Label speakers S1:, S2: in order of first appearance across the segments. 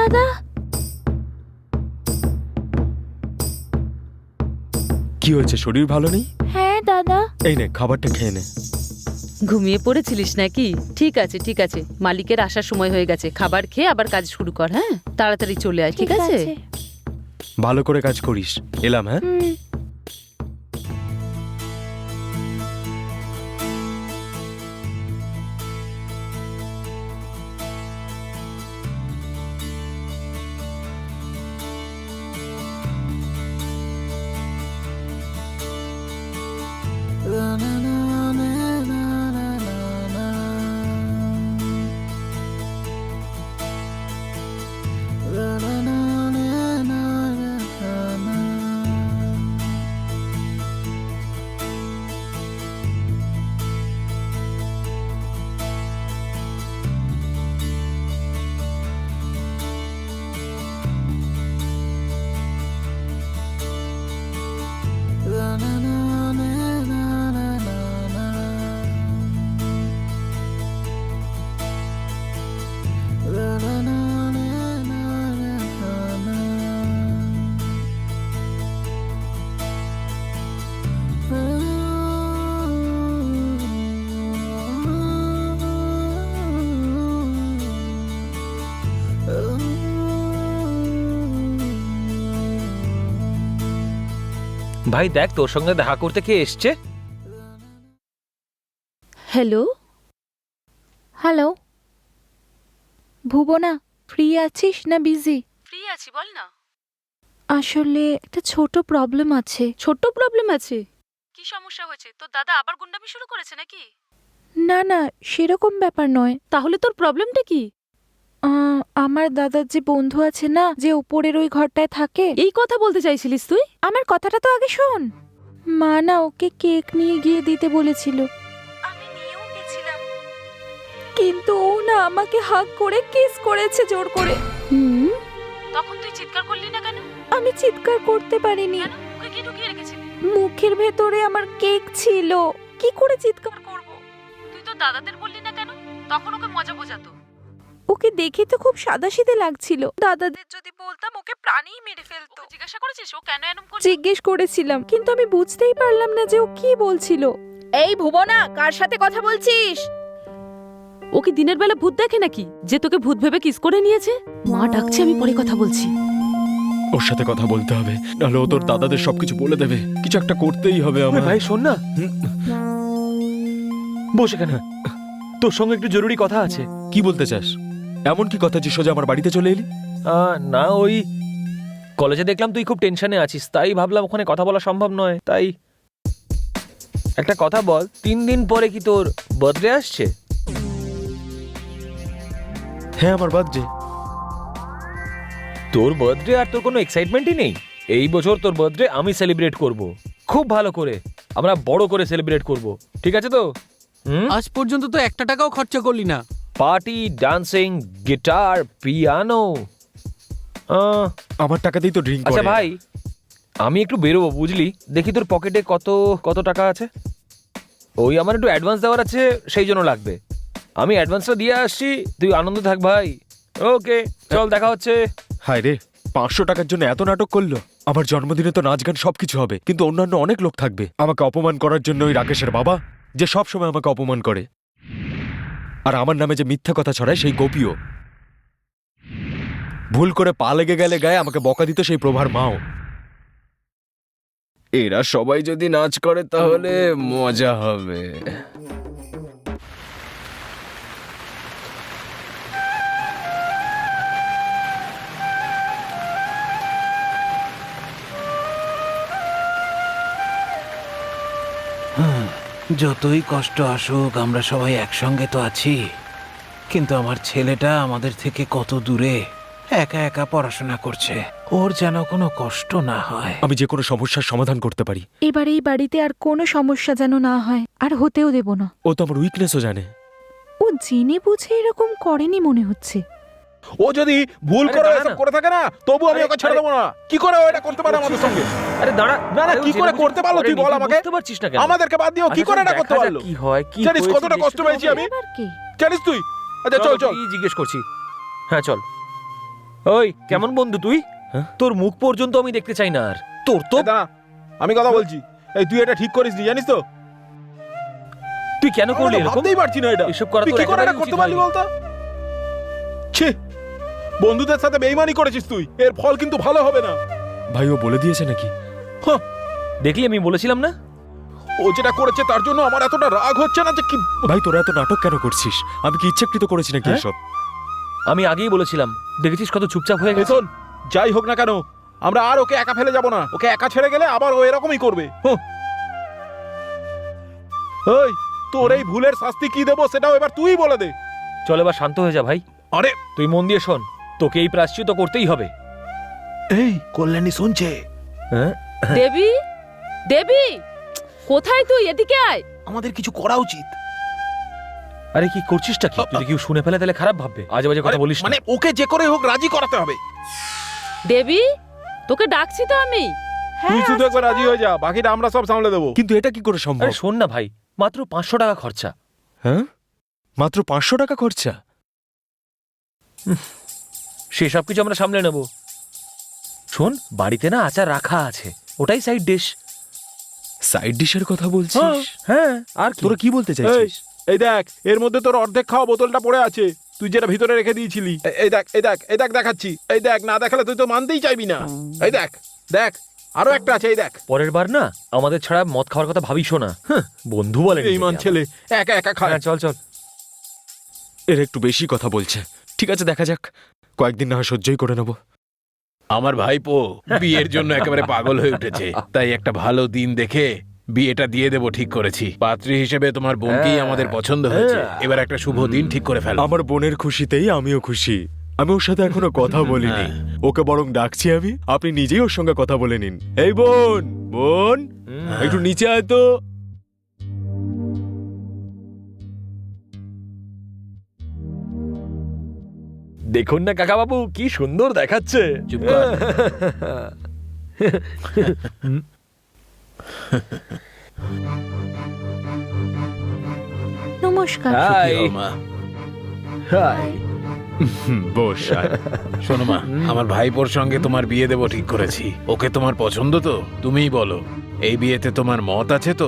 S1: দাদা।
S2: কি হয়েছে, শরীর ভালো নেই?
S1: হ্যাঁ দাদা।
S2: এই নে, খাবারটা খেয়ে নে।
S3: ঘুমিয়ে পড়েছিলিস নাকি? ঠিক আছে ঠিক আছে, মালিকের আসার সময় হয়ে গেছে, খাবার খেয়ে আবার কাজ শুরু কর। হ্যাঁ, তাড়াতাড়ি চলে আয়, ঠিক আছে?
S2: ভালো করে কাজ করিস। এলাম। হ্যাঁ,
S4: ভাই দেখ, তোর সঙ্গে দেখা করতে কে এসছে।
S3: হ্যালো
S1: হ্যালো ভুবনা, ফ্রি আছিস না বিজি?
S3: ফ্রি আছি, বল না।
S1: আসলে একটা ছোট প্রবলেম আছে।
S3: ছোট্ট প্রবলেম আছে? কি সমস্যা হয়েছে? তোর দাদা আবার গুন্ডামি শুরু করেছে নাকি?
S1: না না, সেরকম ব্যাপার নয়।
S3: তাহলে তোর প্রবলেমটা কি?
S1: আমার দাদার যে বন্ধু আছে না, যে উপরের ওই ঘরটায় থাকে।
S3: এই কথা বলতে চাইছিলিস তুই?
S1: আমার কথাটা তো আগে শোন। মা না ওকে কেক নিয়ে গিয়ে দিতে বলেছিল, আমি নিয়েও গেছিলাম, কিন্তু ও না আমাকে হাগ করে কিস করেছে জোর করে।
S3: তখন তুই চিৎকার করলি না কেন?
S1: আমি চিৎকার করতে পারিনি।
S3: কেন? মুখে কি ঢুকিয়ে রেখেছিলি?
S1: মুখের ভেতরে আমার কেক ছিল, কি করে চিৎকার করব?
S3: তুই তো দাদাদের বললি না কেন? তখন ওকে মজা বোঝাতো।
S1: ওকে দেখে তো খুব সাদাসিধে লাগছিল। দাদাদের যদি বলতাম ওকে প্রাণেই মেরে ফেলতো।
S3: ওকে জিজ্ঞাসা করেছিস ও কেন এরকম করছে?
S1: জিজ্ঞেস করেছিলাম, কিন্তু আমি বুঝতেই পারলাম না যে ও কি বলছিল। এই ভুবনা, কার সাথে কথা বলছিস?
S3: ও কি দিনের বেলা ভূত দেখে নাকি, যে তোকে ভূত ভেবে কিস করে নিয়েছে? মা ডাকছে, আমি পরে কথা বলছি।
S2: ওর সাথে কথা বলতে হবে, নাহলে ও তোর দাদাদের সবকিছু বলে দেবে। কিছু একটা করতেই হবে আমার।
S4: ভাই শোন না, বস এখানে, তোর সঙ্গে একটু জরুরি কথা আছে।
S2: কি বলতে চাস? এমন কি কথা যে সোজা আমার বাড়িতে চলে এলি?
S4: না, ওই কলেজে দেখলাম তুই খুব টেনশনে আছিস, তাই ভাবলাম ওখানে কথা বলা সম্ভব নয়। তাই একটা কথা বল, 3 দিন পরে কি তোর বার্থডে আসছে?
S2: হ্যাঁ, আমার বার্থডে।
S4: তোর বার্থডে আর তোর কোনো এক্সাইটমেন্টই নেই? এই বছর তোর বার্থডে আমি সেলিব্রেট করব, খুব ভালো করে, আমরা বড় করে সেলিব্রেট করব, ঠিক আছে তো?
S5: আজ পর্যন্ত তো 1 টাকাও খরচা করলি না।
S4: Party, dancing, guitar, piano.
S2: আমার টাকাতেই তো ড্রিঙ্ক করে।
S4: আচ্ছা ভাই, আমি একটু বেরোবো বুঝলি, দেখি তোর পকেটে কত কত টাকা আছে। ওই আমার একটু অ্যাডভান্স দেওয়ার আছে, সেই জন্য লাগবে। আমি অ্যাডভান্সটা দিয়ে আসছি, তুই আনন্দ থাক ভাই। ওকে, চল, দেখা হচ্ছে।
S2: হায় রে, 500 টাকার জন্য এত নাটক করলো। আমার জন্মদিনে তো নাচ গান সবকিছু হবে, কিন্তু অন্যান্য অনেক লোক থাকবে। আমাকে অপমান করার জন্য ওই রাকেশের বাবা, যে সব সময় আমাকে অপমান করে, আর আমার নামে যে মিথ্যা কথা ছড়ায় সেই গোপীও। ভুল করে পা লেগে গেলে গায়ে আমাকে বকা দিত সেই প্রভার মাও। এরা সবাই যদি নাচ করে তাহলে মজা হবে।
S5: যতই কষ্ট আসুক, আমরা সবাই একসঙ্গে তো আছি। কিন্তু আমার ছেলেটা আমাদের থেকে কত দূরে, একা একা পড়াশোনা করছে। ওর যেন কোনো কষ্ট না হয়।
S2: আমি যে কোনো সমস্যার সমাধান করতে পারি।
S1: এবার এই বাড়িতে আর কোনো সমস্যা যেন না হয়, আর হতেও দেব না।
S2: ও তো আমার উইকনেসও জানে।
S1: ও জেনে বুঝে এরকম করেনি মনে হচ্ছে।
S6: ও যদি ভুল
S4: আরে
S6: করে
S4: দাঁড়া
S6: এসব
S4: না।
S6: করে থাকে না, তবু আমি
S4: আরে,
S6: ওকে ছেড়ে দেবো না। কি করে ও এটা করতে পারে আমাদের সঙ্গে?
S4: আরে দাঁড়া,
S6: না, না,
S4: আরে,
S6: কি
S4: ও
S6: করে
S4: জেনে
S6: করতে পারলো তুই
S4: বুঝে
S6: বল
S4: করেনি,
S6: আমাকে।
S4: বুঝতে পারছিস না কেন?
S6: আমাদেরকে বাদ দিয়েও কি
S4: আচ্ছা,
S6: করে এটা
S4: দেখা
S6: করতে
S4: যাক
S6: পারলো?
S4: কি হয়, কি
S6: জানিস
S4: হয়েছে
S6: কতটা
S4: দেখতে
S6: কষ্ট
S4: তো
S6: পেয়েছি
S4: হবে।
S6: আমি?
S1: এবার কি?
S6: জানিস তুই? আচ্ছা চল চল।
S4: কি জিজ্ঞেস করছি। হ্যাঁ চল। ওই কেমন বন্ধু তুই?
S2: হ্যাঁ?
S4: তোর মুখ পর্যন্ত আমি দেখতে চাই না আর। তোর তো
S6: এই দাঁড়া, আমি কথা বলছি। এই তুই এটা ঠিক করিস নি, জানিস তো?
S4: তুই কেন করলি
S6: আমি তো
S4: এরকম?
S6: ভাবতেই পারছি না এটা।
S4: এসব করা
S6: তুই
S4: তোর
S6: কি করে এটা
S4: একেবারেই
S6: করতে
S4: উচিত
S6: পারলি
S4: হয়নি।
S6: বলতো? ছি, বন্ধুদের সাথে বেইমানি করেছিস তুই, এর ফল কিন্তু ভালো হবে না।
S2: ভাই ও বলে দিয়েছে নাকি?
S4: দেখলি আমি বলেছিলাম না?
S6: ও যেটা করেছে তার জন্য আমার এতটা রাগ হচ্ছে না যে কি।
S2: ভাই তোরা এত নাটক কেন করছিস? আমি কি ইচ্ছাকৃত করেছি নাকি
S4: হ্যাঁ?
S2: এসব?
S4: আমি আগেই বলেছিলাম, দেখেছিস কত চুপচাপ হয়ে গেছে।
S6: শোন, যাই হোক না কেন, আমরা আর ওকে একা ফেলে যাব না। ওকে একা ছেড়ে গেলে আবার ও এরকমই করবে। ওই, তোর এই ভুলের শাস্তি কি দেবো সেটাও এবার তুই বলে দে।
S4: চল এবার শান্ত হয়ে যা ভাই।
S6: আরে
S4: তুই মন দিয়ে শোন, তোকে এই প্রায়শ্চিত্ত করতেই হবে।
S6: এই কল্যাণী শুনছে?
S4: হ্যাঁ?
S3: দেবী, দেবী, কোথায় তুই? এদিকে আয়।
S6: আমাদের কিছু করা উচিত।
S4: আরে কি করছিসটা কি? যদি কেউ শুনে ফেলে তাহলে খারাপ ভাববে। আজে বাজে কথা বলিস না।
S6: মানে ওকে যে করে হোক রাজি করাতে হবে।
S3: দেবী, তোকে ডাকছি তো আমি।
S6: তুই শুধু একবার রাজি হয়ে যা, বাকিটা আমরা সব সামলে দেবো।
S2: কিন্তু এটা কি করে সম্ভব?
S4: আরে শোন না ভাই, মাত্র 500 টাকা খরচা।
S2: হ্যাঁ, মাত্র 500 টাকা খরচা?
S4: সেসব কিছু আমরা সামলে নেব। শোন, বাড়িতে না আচার রাখা আছে, ওটাই সাইড ডিশ।
S2: সাইড ডিশের কথা বলছিস?
S4: হ্যাঁ, আর কি?
S2: তোরা কি বলতে চাইছিস?
S6: এই দেখ, এর মধ্যে তোর অর্ধেক খাওয়া বোতলটা পড়ে আছে, তুই যেটা ভিতরে রেখে দিয়েছিলি। এই দেখ, এই দেখ, এই দেখ, দেখাচ্ছি। এই দেখ, না দেখালে তুই তো মানতেই চাইবি না। এই দেখ, দেখ, আরো একটা আছে, এই দেখ।
S4: পরের বার না আমাদের ছাড়া মদ খাওয়ার কথা ভাবিসও না। বন্ধু বলে
S6: বেঈমান ছেলে, একা একা খায়।
S4: হ্যাঁ, চল চল।
S2: এর একটু বেশি কথা বলছে। ঠিক আছে, দেখা যাক, কয়েকদিন না হয় সহ্যই করে নেব।
S7: আমার ভাইপো বিয়ের জন্য একেবারে পাগল হয়ে উঠেছে, তাই একটা ভালো দিন দেখে বিয়েটা দিয়ে দেবো ঠিক করেছি। পাত্রী হিসেবে তোমার বোনকেই আমাদের পছন্দ হয়েছে, এবার একটা শুভ দিন ঠিক করে ফেলো।
S2: আমার বোনের খুশিতেই আমিও খুশি। আমি ওর সাথে এখনো কথা বলিনি, ওকে বরং ডাকছি আমি। আপনি নিজেই ওর সঙ্গে কথা বলে নিন। এই বোন, বোন, একটু নিচে আয় তো।
S4: দেখুন না কাকা বাবু, কি সুন্দর দেখাচ্ছে।
S7: চুপ কর।
S1: নমস্কার।
S4: হাই
S7: কি হলো, মা?
S4: হাই।
S2: বস আয়।
S7: শোনো মা, আমার ভাইপোর সঙ্গে তোমার বিয়ে দেবো ঠিক করেছি। ওকে তোমার পছন্দ তো? তুমিই বলো, এই বিয়েতে তোমার মত আছে তো?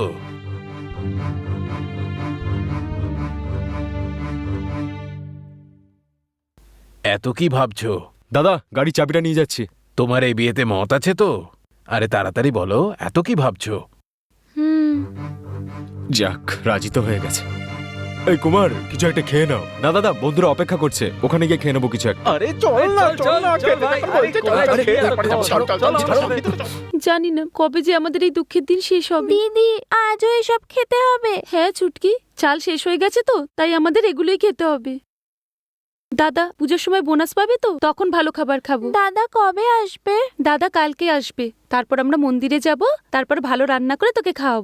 S7: এত কি ভাবছো?
S2: দাদা, গাড়ি চাবিটা নিয়ে যাচ্ছি।
S7: তোমার এই বিয়েতে মত আছে তো? আরে তাড়াতাড়ি বলো, এত কি ভাবছো?
S1: হুম,
S2: যাক, রাজি তো হয়ে গেছে। এই কুমার, কিছু একটা খেয়ে নাও। না দাদা, বন্ধুরা অপেক্ষা করছে, ওখানে গিয়ে খেয়ে নেবো কিছু একটা।
S6: আরে চল না, চল না,
S4: চল
S6: খেতে
S4: ভাই,
S6: যখন
S4: আরে
S6: বলছে, চল,
S4: কোথায়
S6: চল, খেয়ে
S4: যাচ্ছিস?
S6: তারপরে যাবো। চল, চল, চল, চল, চল, ভিতরে চল।
S3: জানি না কবে যে আমাদের এই দুঃখের দিন শেষ হবে।
S1: দিদি আজও এসব খেতে হবে?
S3: হ্যাঁ ছুটকি, চাল শেষ হয়ে গেছে তো, তাই আমাদের এগুলোই খেতে হবে। দাদা পুজোর সময় বোনাস পাবে তো, তখন ভালো খাবার খাবো।
S1: দাদা কবে আসবে?
S3: দাদা কালকে আসবে, তারপর আমরা মন্দিরে যাব, তারপর ভালো রান্না করে তোকে খাওয়াবো।